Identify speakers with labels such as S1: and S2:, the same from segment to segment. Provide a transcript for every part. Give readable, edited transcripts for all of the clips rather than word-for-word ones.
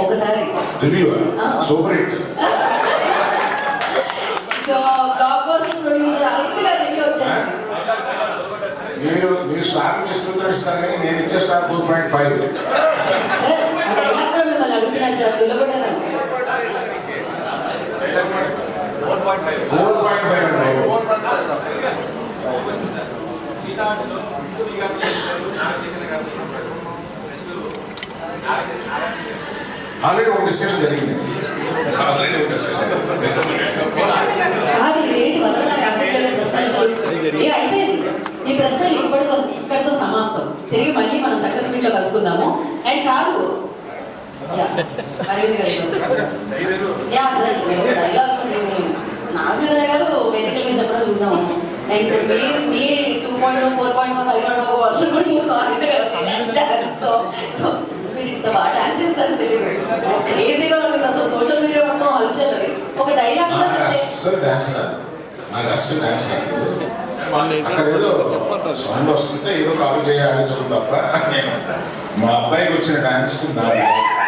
S1: ఒకసారి
S2: review super hit.
S1: So blockbuster producer Arun గారి review వచ్చేసింది.
S2: మీరు స్టార్ తీసుకుంటారు ఇస్తారు కానీ నేను ఇచ్చే స్టార్ 4.5.
S1: సార్ డైలాగ్ కూడా మిమ్మల్ని అడుగుతున్నాను సార్, దుల్లగొట్టాను.
S2: 4.5 అండి. ఆల్రెడీ ఒక డిస్కషన్ జరిగింది.
S1: కాదు ఇదేంటి వల్ల అయిపోయింది. ఈ ప్రశ్నలు ఇక్కడితో సమాప్తం. తిరిగి మళ్ళీ మనం సక్సెస్ మీట్ లో కలుసుకుందాము. అండ్ కాదు అరవింద్ గారు యా సార్ మీరు డైలాగ్ నాగార్జున గారు వేదికల మీద చెప్పడం చూసాము. అండ్ మీ 2.0 4.0 5.0 వర్షం కూడా చూస్తాం. సో మీరు ఇంత బాగా డాన్స్ చేస్తారని తెలియదు. క్రేజీగా ఉంటుంది అసలు. సోషల్ మీడియా మొత్తం హల్చల్. ఒక డైలాగ్ కూడా చెప్తే
S2: నాకు అస్సలు డాన్స్ రాదు. అక్కడ ఏదో సౌండ్ వస్తుంటే ఏదో కాపీ చేయాలని చెప్పు తప్ప మా అబ్బాయికి వచ్చిన డాన్స్ నాది.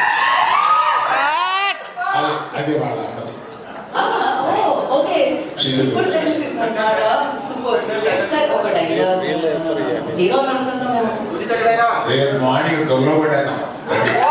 S2: అది వాళ్ళ అన్నది.
S1: ఓకే ఇప్పుడు తెలిసిందన్నమాట. Super sir. ఒక డైలాగ్ హీరో అడుగుతున్నాము.
S2: రేపు మార్నింగ్ దొంగ పడ్డాను.